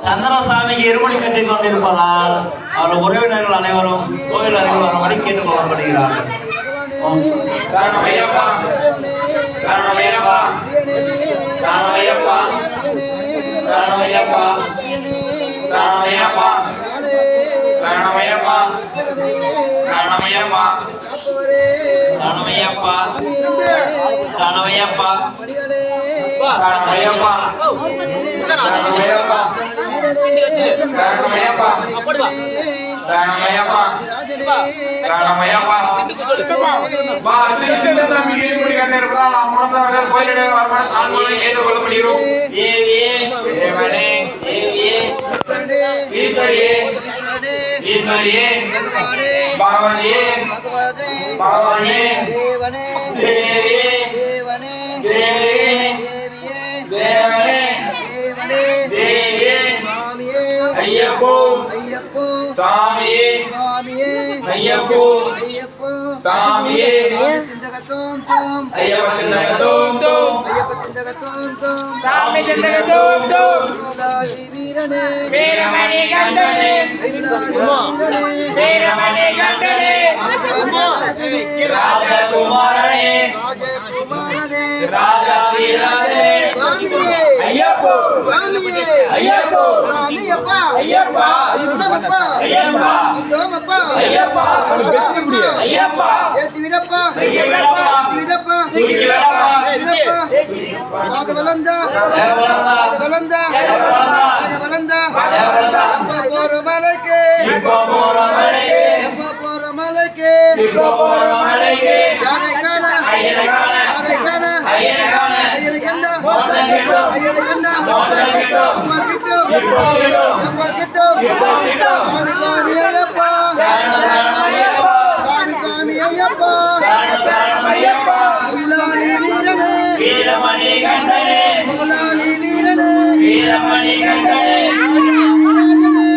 சந்திரசாமிக்கு இருமொழி கட்டிக் கொண்டிருப்பதால் அவர் உறவினர்கள் அனைவரும் கோயில் அருகில் வரும்படி கேட்டுக் கொள்ளப்படுகிறார்கள். சரணமையப்பா சரணமையப்பா சரணமையப்பா சரணமையப்பா சரணமையப்பா சரணமையப்பா சரணமையப்பா சரணமையப்பா சரணமையப்பா சரணமையப்பா சரணமையப்பா சரணமையப்பா சரணமையப்பா சரணமையப்பா வா சின்னசாமி இருமுடி கட்டிருப்பா அம்மாவே கோயிலே வரணும் ஆண்களை ஏற்றுக்கொள்ளப்படுகிறோம். தேவியே தேவனே தேவியே ஈஸ்வரியே ஈஸ்வரியே பகவானியே பகவானியே தேவனே தேவியே தேவனே தேவியே தேவனே தேவியே ஐயப்போ ஐயப்போ சாமியே சாமியே ஐயப்போ ஐயப்போ சாமியே ஜகதோம் தோம் ஐயப்ப ஜகதோம் தோம் ஐயப்ப ஜகதோம் தோம் சாமி ஜகதோம் தோம் இல்லாஹி வீரனே வீரமணி கண்டனே இல்லாஹி வீரனே வீரமணி கண்டனே ராஜகுமாரனே ராஜகுமாரனே ராஜா வீரனே ஐயப்போ சாமியே ஐயப்போ சாமியப்பா ஐயப்பா திருடமப்பா ஐயப்பா உத்தமப்பா ஐயப்பா பேச முடியாது ஐயப்பா ஏத்தி விடப்பா ஏத்தி விடப்பா ராஜவலந்தா ராஜவலந்தா ராஜவலந்தா அப்பா போற மலைக்கு அப்பா போற மலைக்கு அப்பா போற மலைக்கு அப்பா போற மலைக்கு யாரை காண ஐயனை காண யாரை காண ஐயனை காண ஐயனை கண்டா ஐயனை கண்டா அம்மா கிட்ட